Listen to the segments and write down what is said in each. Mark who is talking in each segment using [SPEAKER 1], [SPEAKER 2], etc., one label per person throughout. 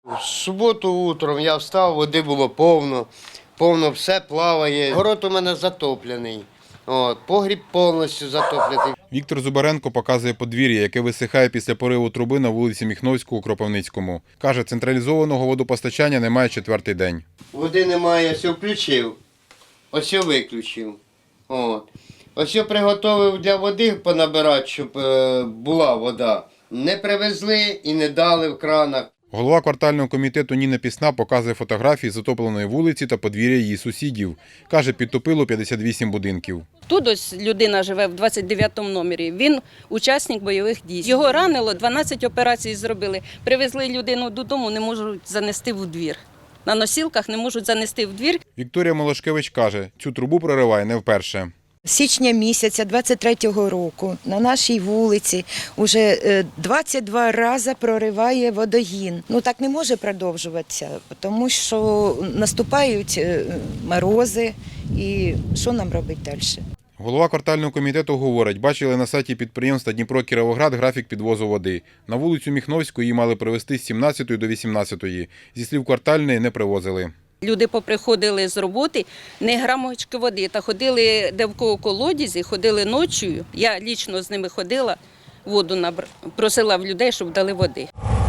[SPEAKER 1] В суботу утром я встав, води було повно, все плаває. Город у мене затоплений, погріб повністю затоплений.
[SPEAKER 2] Віктор Зубаренко показує подвір'я, яке висихає після пориву труби на вулиці Міхновську у Кропивницькому. Каже, централізованого водопостачання немає четвертий день.
[SPEAKER 1] Води немає, ось включив, ось виключив. Ось приготував для води понабирати, щоб була вода. Не привезли і не дали в кранах.
[SPEAKER 2] Голова квартального комітету Ніна Пісна показує фотографії затопленої вулиці та подвір'я її сусідів. Каже, підтопило 58 будинків.
[SPEAKER 3] Тут ось людина живе в 29-му номері, він учасник бойових дій. Його ранило, 12 операцій зробили. Привезли людину додому, не можуть занести в двір. На носілках не можуть занести в двір.
[SPEAKER 2] Вікторія Молошкевич каже, цю трубу прориває не вперше.
[SPEAKER 4] З січня місяця 23-го року на нашій вулиці вже 22 рази прориває водогін. Так не може продовжуватися, тому що наступають морози і що нам робити далі?
[SPEAKER 2] Голова квартального комітету говорить, бачили на сайті підприємства Дніпро-Кіровоград графік підвозу води. На вулицю Міхновську її мали привезти з 17 до 18. Зі слів квартальної, не привозили.
[SPEAKER 3] Люди поприходили з роботи, не грамочки води, та ходили де в кого колодязі, ходили ночою. Я лічно з ними ходила, воду просила в людей, щоб дали води.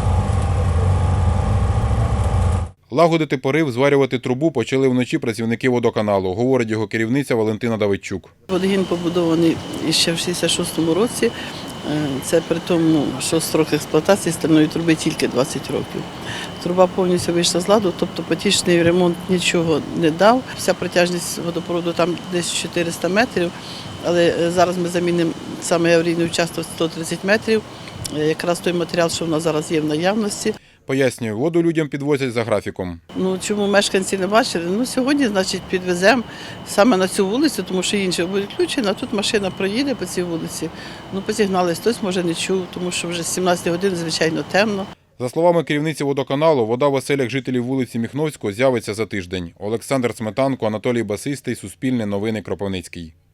[SPEAKER 2] Лагодити порив, зварювати трубу почали вночі працівники водоканалу, говорить його керівниця Валентина Давидчук.
[SPEAKER 5] Водогін побудований ще в 66-му році. Це при тому, що строк експлуатації стальної труби тільки 20 років. Труба повністю вийшла з ладу, тобто потічний ремонт нічого не дав. Вся протяжність водопроводу там десь 400 метрів, але зараз ми замінимо саме аварійний участок 130 метрів, якраз той матеріал, що в нас зараз є в наявності.
[SPEAKER 2] Пояснює, воду людям підвозять за графіком.
[SPEAKER 5] Чому мешканці не бачили? Сьогодні, підвеземо саме на цю вулицю, тому що інші будуть включені, а тут машина проїде по цій вулиці. Посігнали, хтось може не чув, тому що вже з 17 годин, звичайно, темно.
[SPEAKER 2] За словами керівниці водоканалу, вода в оселях жителів вулиці Міхновського з'явиться за тиждень. Олександр Сметанко, Анатолій Басистий, Суспільне новини, Кропивницький.